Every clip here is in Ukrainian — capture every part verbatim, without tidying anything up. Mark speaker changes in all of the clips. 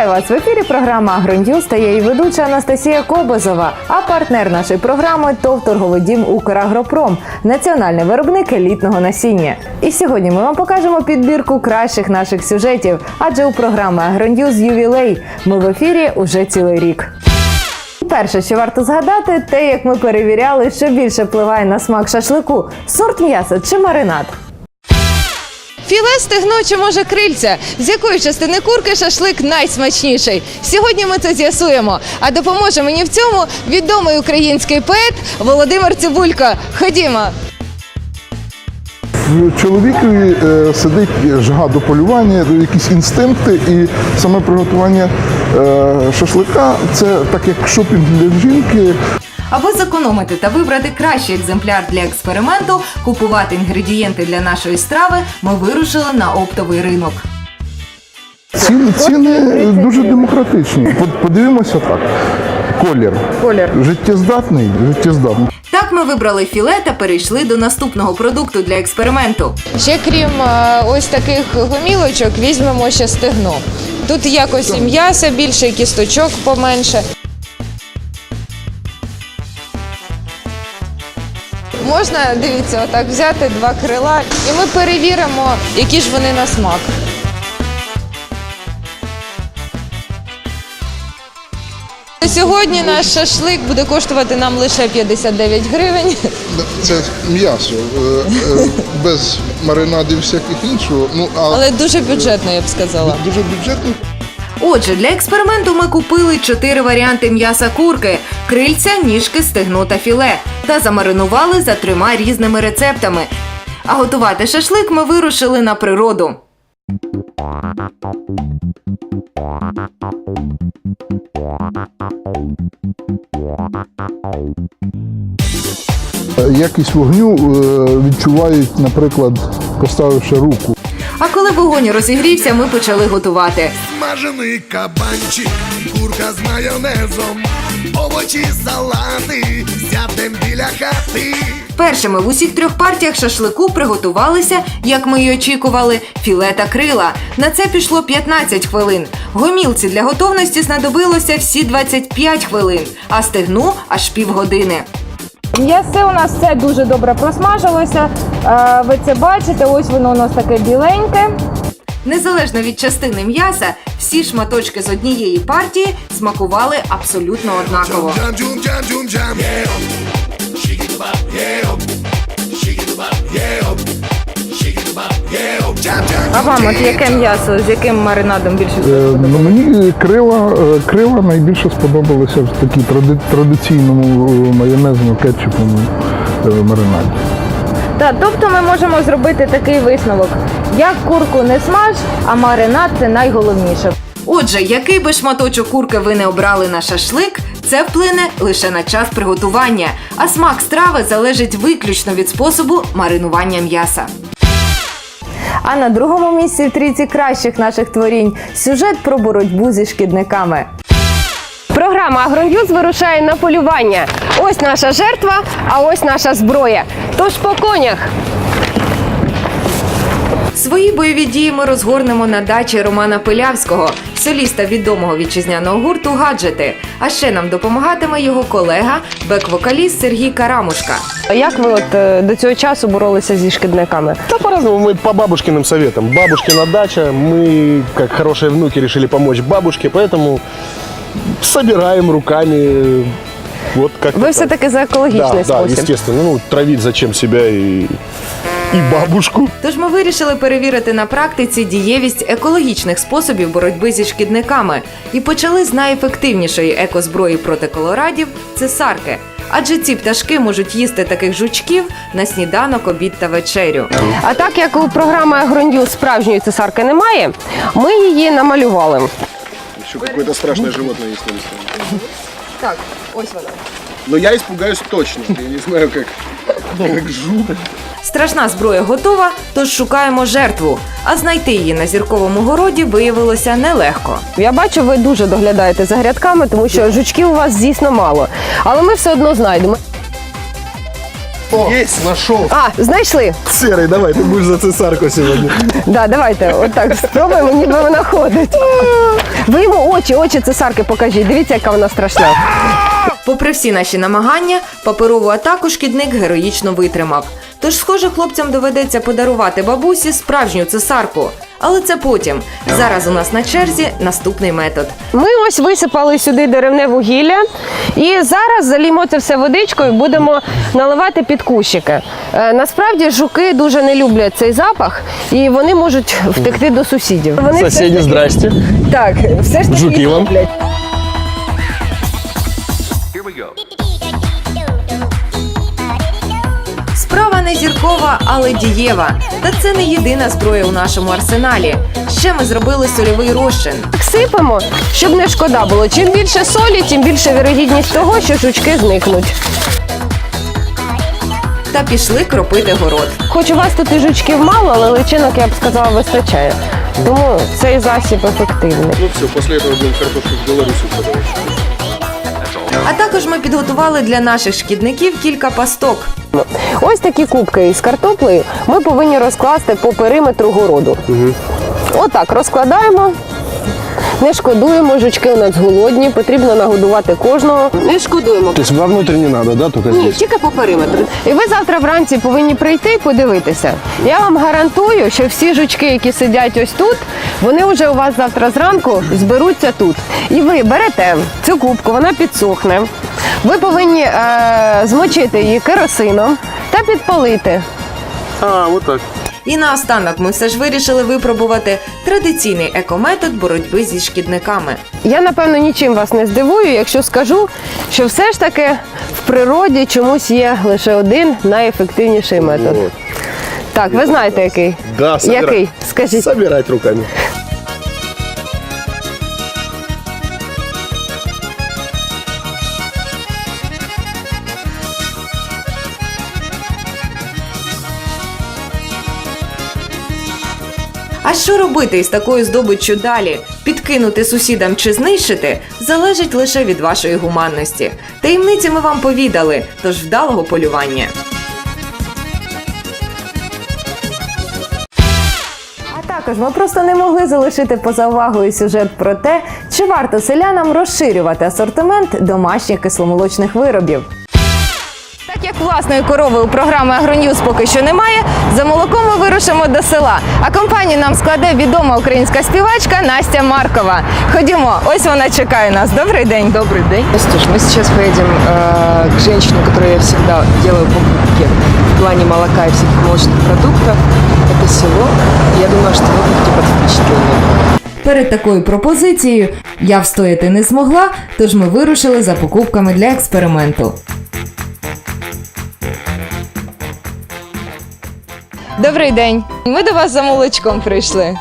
Speaker 1: Вітаю вас! В ефірі програма «Агроньюз» та я її ведуча Анастасія Кобозова, а партнер нашої програми – ТОВ «Торговий дім Украгропром» – національний виробник елітного насіння. І сьогодні ми вам покажемо підбірку кращих наших сюжетів, адже у програми «Агроньюз» ювілей. Ми в ефірі уже цілий рік. Перше, що варто згадати, те, як ми перевіряли, що більше впливає на смак шашлику – сорт м'яса чи маринад.
Speaker 2: Філе, стегно чи, може, крильця? З якої частини курки шашлик найсмачніший? Сьогодні ми це з'ясуємо. А допоможе мені в цьому відомий український поет Володимир Цибулько. Ходімо!
Speaker 3: В чоловікові е, сидить жага до полювання, якісь інстинкти, і саме приготування е, шашлика – це так як шопінг для жінки.
Speaker 1: Аби зекономити та вибрати кращий екземпляр для експерименту, купувати інгредієнти для нашої страви, ми вирушили на оптовий ринок.
Speaker 3: Ціни, ціни дуже демократичні. Подивимося так. Колір.
Speaker 1: Колір.
Speaker 3: Життєздатний, життєздатний.
Speaker 1: Так ми вибрали філе та перейшли до наступного продукту для експерименту.
Speaker 2: Ще крім е, ось таких гомілочок, візьмемо ще стегно. Тут якось і м'яса більше, і кісточок поменше. Можна, дивіться, отак взяти два крила і ми перевіримо, які ж вони на смак. Сьогодні наш шашлик буде коштувати нам лише п'ятдесят дев'ять гривень.
Speaker 3: Це м'ясо, без маринадів всяких іншого. Ну, а...
Speaker 2: Але дуже бюджетно, я б сказала.
Speaker 3: Дуже бюджетно.
Speaker 1: Отже, для експерименту ми купили чотири варіанти м'яса курки – крильця, ніжки, стегно та філе – та замаринували за трьома різними рецептами. А готувати шашлик ми вирушили на природу.
Speaker 3: Якість вогню відчувають, наприклад, поставивши руку.
Speaker 1: А коли вогонь розігрівся, ми почали готувати.
Speaker 4: Смажений кабанчик, курка з майонезом, овочі, салати, сядем біля хати.
Speaker 1: Першими в усіх трьох партіях шашлику приготувалися, як ми й очікували, філе та крила. На це пішло п'ятнадцять хвилин. Гомілці для готовності знадобилося всі двадцять п'ять хвилин, а стегну – аж півгодини.
Speaker 2: М'ясо у нас все дуже добре просмажилося. Ви це бачите, ось воно у нас таке біленьке.
Speaker 1: Незалежно від частини м'яса, всі шматочки з однієї партії смакували абсолютно однаково.
Speaker 4: Джам-джум-джам-джум-джам.
Speaker 2: А вам от яке м'ясо, з яким маринадом більше
Speaker 3: Е,
Speaker 2: сподобалося?
Speaker 3: ну, мені крила, е, крила найбільше сподобалися в такій тради, традиційному е, майонезному кетчупному е, маринаді.
Speaker 2: Так, тобто ми можемо зробити такий висновок. Як курку не смаж, а маринад – це найголовніше.
Speaker 1: Отже, який би шматочок курки ви не обрали на шашлик, це вплине лише на час приготування, а смак страви залежить виключно від способу маринування м'яса. А на другому місці в трійці кращих наших творінь – сюжет про боротьбу зі шкідниками.
Speaker 5: Програма «Агроньюз» вирушає на полювання. Ось наша жертва, а ось наша зброя. Тож по конях.
Speaker 1: Свої бойові дії ми розгорнемо на дачі Романа Пилявського, соліста відомого вітчизняного гурту «Гаджети». А ще нам допомагатиме його колега, бек-вокаліст Сергій Карамушка.
Speaker 5: Як ви от до цього часу боролися зі шкідниками?
Speaker 6: Да по-разному, мы по бабушкиным советам. Бабушкина дача, мы, как хорошие внуки, решили помочь бабушке, поэтому собираем руками. Вот как
Speaker 5: Ви все-таки за екологічний
Speaker 6: да,
Speaker 5: спосіб.
Speaker 6: Да, естественно. Ну, травить зачем себя и, и бабушку.
Speaker 1: Тож ми вирішили перевірити на практиці дієвість екологічних способів боротьби зі шкідниками. І почали з найефективнішої екозброї проти колорадів – цесарки. Адже ці пташки можуть їсти таких жучків на сніданок, обід та вечерю.
Speaker 5: А так як у програми «Агроньюз» справжньої цесарки немає, ми її намалювали.
Speaker 6: Еще какое-то страшное животное есть на листе.
Speaker 2: Так, ось вона.
Speaker 6: Но я испугаюсь точно. Я не знаю, как, как жуть.
Speaker 1: Страшна зброя готова, тож шукаємо жертву. А знайти її на зірковому городі виявилося нелегко.
Speaker 5: Я бачу, ви дуже доглядаєте за грядками, тому що жучків у вас, звісно, мало. Але ми все одно знайдемо.
Speaker 3: О,
Speaker 6: Есть, нашел.
Speaker 5: А, знайшли?
Speaker 6: Серый, давай, ты будешь за цесарку сегодня.
Speaker 5: Да, давайте, отак спробуємо, ніби вона ходить. Ви йому очі, очі цесарки покажіть. Дивіться, яка вона страшна.
Speaker 1: Попри всі наші намагання, паперову атаку шкідник героїчно витримав. Тож, схоже, хлопцям доведеться подарувати бабусі справжню цесарку. Але це потім. Зараз у нас на черзі наступний метод.
Speaker 5: Ми ось висипали сюди деревне вугілля і зараз залімо це все водичкою, будемо наливати під кущики. Е, насправді жуки дуже не люблять цей запах і вони можуть втекти до сусідів. Вони все ж
Speaker 6: Соседи,
Speaker 5: таки-
Speaker 6: здрасте.
Speaker 5: Так, все ж таки
Speaker 6: Жуки
Speaker 5: їх
Speaker 6: вам.
Speaker 5: люблять.
Speaker 1: Справа не зіркова, але дієва. Та це не єдина зброя у нашому арсеналі. Ще ми зробили сольовий розчин.
Speaker 5: Так сипемо, щоб не шкода було. Чим більше солі, тим більше вірогідність того, що жучки зникнуть.
Speaker 1: Та пішли кропити город.
Speaker 5: Хоч у вас тут і жучків мало, але личинок, я б сказала, вистачає. Тому цей засіб ефективний.
Speaker 6: Ну все, после этого будем картошку в Беларуси продавать.
Speaker 1: А також ми підготували для наших шкідників кілька пасток.
Speaker 5: Ось такі кубки із картоплею ми повинні розкласти по периметру городу. Отак розкладаємо. Не шкодуємо, жучки у нас голодні, потрібно нагодувати кожного. Не шкодуємо.
Speaker 6: То есть вовнутрь не надо, да, только
Speaker 5: Ні,
Speaker 6: здесь?
Speaker 5: тільки по периметру. І ви завтра вранці повинні прийти і подивитися. Я вам гарантую, що всі жучки, які сидять ось тут, вони вже у вас завтра зранку зберуться тут. І ви берете цю кубку, вона підсохне. Ви повинні е- змочити її керосином та підпалити.
Speaker 6: А, вот так.
Speaker 1: І наостанок ми все ж вирішили випробувати традиційний екометод боротьби зі шкідниками.
Speaker 5: Я, напевно, нічим вас не здивую, якщо скажу, що все ж таки в природі чомусь є лише один найефективніший метод.
Speaker 6: Вот.
Speaker 5: Так, ви знаєте який?
Speaker 6: Да, собирать.
Speaker 5: Який? Скажіть.
Speaker 6: Собирать руками.
Speaker 1: А що робити із такою здобиччю далі? Підкинути сусідам чи знищити залежить лише від вашої гуманності. Таємниці ми вам повідали, тож вдалого полювання. А також ми просто не могли залишити поза увагою сюжет про те, чи варто селянам розширювати асортимент домашніх кисломолочних виробів. Так як власної корови у програми «Агроньюз» поки що немає, за молоком ми вирушимо до села. А компанію нам складе відома українська співачка Настя Маркова. Ходімо, ось вона чекає нас. Добрий день.
Speaker 7: Добрый день. Настюш, мы сейчас поедем э, к женщине, которой я всегда делаю покупки в плане молока и всяких молочных продуктов. Это село. Я думаю, что вы будете под впечатлением.
Speaker 1: Перед такою пропозицією я встояти не змогла, тож ми вирушили за покупками для експерименту.
Speaker 2: Добрий день. Ми до вас за молочком прийшли.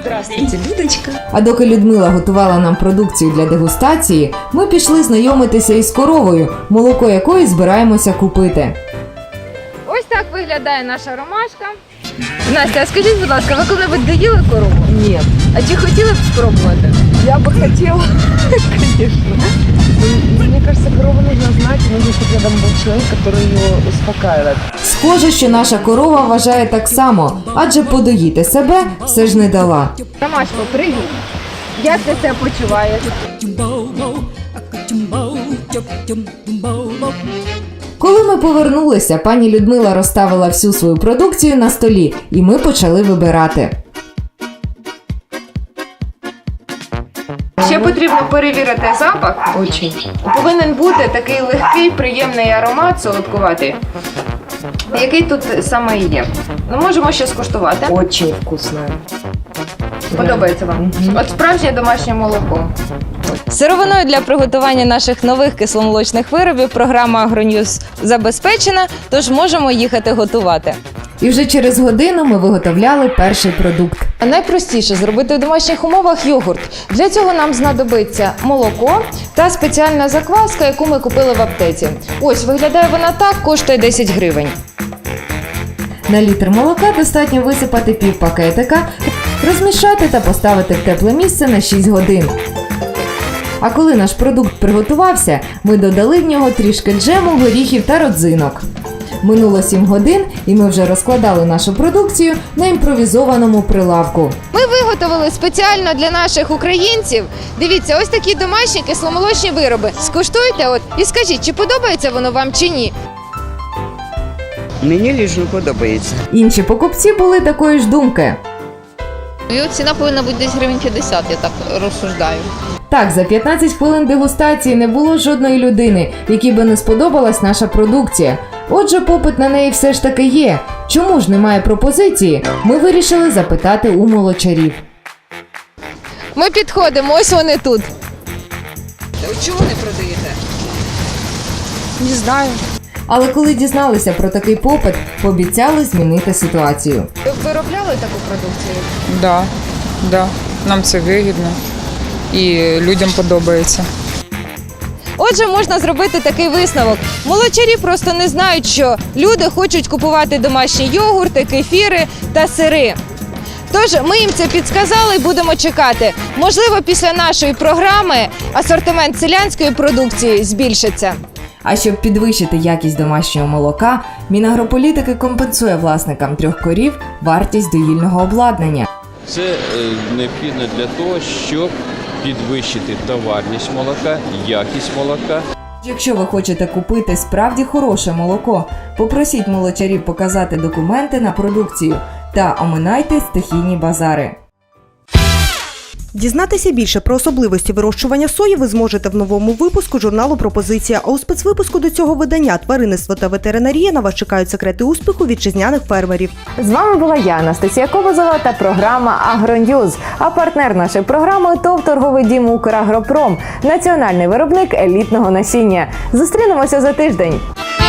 Speaker 1: А доки Людмила готувала нам продукцію для дегустації, ми пішли знайомитися із коровою, молоко якої збираємося купити.
Speaker 2: Ось так виглядає наша ромашка. Настя, а скажіть, будь ласка, ви коли-небудь доїли корову? Ні. А чи хотіли б спробувати?
Speaker 7: Я бы хотела, конечно. Мне кажется, корову нужно знать, нужно, чтобы рядом был человек, который ее успокаивает.
Speaker 1: Схоже, що наша корова вважає так само, адже подоїти себе все ж не дала.
Speaker 2: Ромашко, привіт. Як ти себе почуваєш?
Speaker 1: Коли ми повернулися, пані Людмила розставила всю свою продукцію на столі, і ми почали вибирати.
Speaker 2: Ще потрібно перевірити запах.
Speaker 7: Очень.
Speaker 2: Повинен бути такий легкий, приємний аромат, солодкуватий, який тут саме і є. Ну, можемо ще скуштувати.
Speaker 7: Очень вкусная.
Speaker 2: Подобається вам? От справжнє домашнє молоко. Сировиною для приготування наших нових кисломолочних виробів програма «Агроньюз» забезпечена, тож можемо їхати готувати.
Speaker 1: І вже через годину ми виготовляли перший продукт.
Speaker 2: Найпростіше зробити в домашніх умовах йогурт. Для цього нам знадобиться молоко та спеціальна закваска, яку ми купили в аптеці. Ось, виглядає вона так, коштує десять гривень.
Speaker 1: На літр молока достатньо висипати пів пакетика, розмішати та поставити в тепле місце на шість годин. А коли наш продукт приготувався, ми додали в нього трішки джему, горіхів та родзинок. Минуло сім годин, і ми вже розкладали нашу продукцію на імпровізованому прилавку.
Speaker 2: Ми виготовили спеціально для наших українців. Дивіться, ось такі домашні кисломолочні вироби. Скуштуйте от і скажіть, чи подобається воно вам чи ні.
Speaker 8: Мені ліжно подобається.
Speaker 1: Інші покупці були такої ж думки.
Speaker 9: Його ціна повинна бути десь гривень п'ятдесят, я так розсуждаю.
Speaker 1: Так, за п'ятнадцять хвилин дегустації не було жодної людини, якій би не сподобалась наша продукція. Отже, попит на неї все ж таки є. Чому ж немає пропозиції? Ми вирішили запитати у молочарів.
Speaker 2: Ми підходимо, ось вони тут. Чому не продаєте?
Speaker 7: Не знаю.
Speaker 1: Але коли дізналися про такий попит, пообіцяли змінити ситуацію.
Speaker 2: Ви виробляли таку продукцію?
Speaker 10: Да, да, нам це вигідно і людям подобається.
Speaker 2: Отже, можна зробити такий висновок. Молочарі просто не знають, що люди хочуть купувати домашні йогурти, кефіри та сири. Тож ми їм це підсказали і будемо чекати. Можливо, після нашої програми асортимент селянської продукції збільшиться.
Speaker 1: А щоб підвищити якість домашнього молока, Мінагрополітики компенсує власникам трьох корів вартість доїльного обладнання.
Speaker 11: Це е, необхідно для того, щоб підвищити товарність молока, якість молока.
Speaker 1: Якщо ви хочете купити справді хороше молоко, попросіть молочарів показати документи на продукцію та оминайте стихійні базари.
Speaker 12: Дізнатися більше про особливості вирощування сої ви зможете в новому випуску журналу «Пропозиція». А у спецвипуску до цього видання «Тваринництво та ветеринарія» на вас чекають секрети успіху вітчизняних фермерів.
Speaker 1: З вами була я, Анастасія Кобозова, та програма «Агроньюз». А партнер нашої програми – ТОВ «Торговий дім Украгропром», національний виробник елітного насіння. Зустрінемося за тиждень.